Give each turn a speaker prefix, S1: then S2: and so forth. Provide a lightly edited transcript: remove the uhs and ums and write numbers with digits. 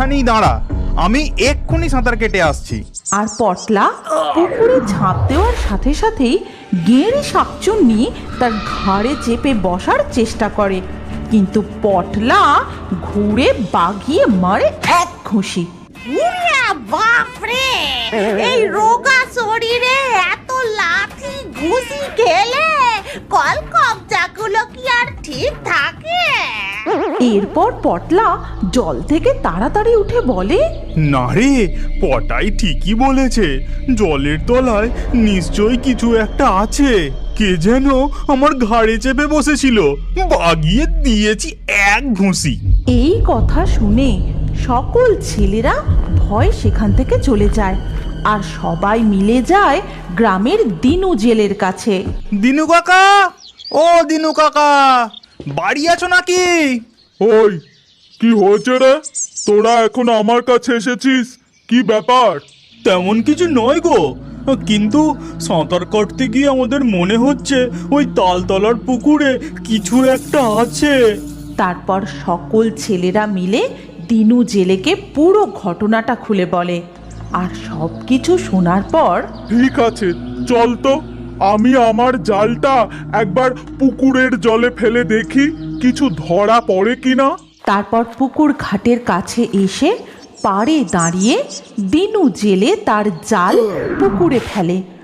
S1: এখানেই দাঁড়া, আমি এক্ষুনি সাঁতার কেটে আসছি।
S2: আর পটলা পুকুরে ঝাঁপ দেওয়ার সাথে সাথেই গেঁড়ে শাকচুন্নি তার ঘাড়ে চেপে বসার চেষ্টা করে, কিন্তু পটলা ঘুরে বাগিয়ে মারে এক ঘুষি।
S3: বাপরে, এই রোগা শরীরে এত লাথি ঘুষি খেলে কলকবজাগুলো কি আর ঠিক থাকে?
S2: এরপর পটলা জল থেকে তাড়াতাড়ি উঠে বলে,
S1: না রে, পটাই ঠিকই বলেছে, জলের তলায় নিশ্চয়ই কিছু একটা আছে। কে যেন আমার ঘাড়ে চেপে বসেছিল, বাগিয়ে দিয়েছি এক ঘুষি।
S2: এই কথা শুনে সকল ছেলেরা ভয় সেখান থেকে চলে যায়, আর সবাই মিলে যায় গ্রামের দিনু জেলের কাছে।
S1: দিনু কাকা, ও দিনু কাকা, বাড়ি আছো নাকি?
S4: ওই, কি হয়েছে রে? তোরা এখন আমার কাছে এসেছিস, কি ব্যাপার?
S1: তেমন কিছু নয় গো, কিন্তু সাঁতার কাটতে গিয়ে আমাদের মনে হচ্ছে ওই তালতলার পুকুরে কিছু একটা আছে।
S2: তারপর সকল ছেলেরা মিলে দিনু জেলেকে পুরো ঘটনাটা খুলে বলে, আর সব কিছু শোনার পর
S4: ঠিক আছে, চল তো, আমি আমার জালটা একবার পুকুরের জলে ফেলে দেখি কিছু ধরা পড়ে কিনা।
S2: তারপর পুকুর ঘাটের কাছে এসে পাড়ে দাঁড়িয়ে দিনু জেলে তার জাল পুকুরে ফেলে,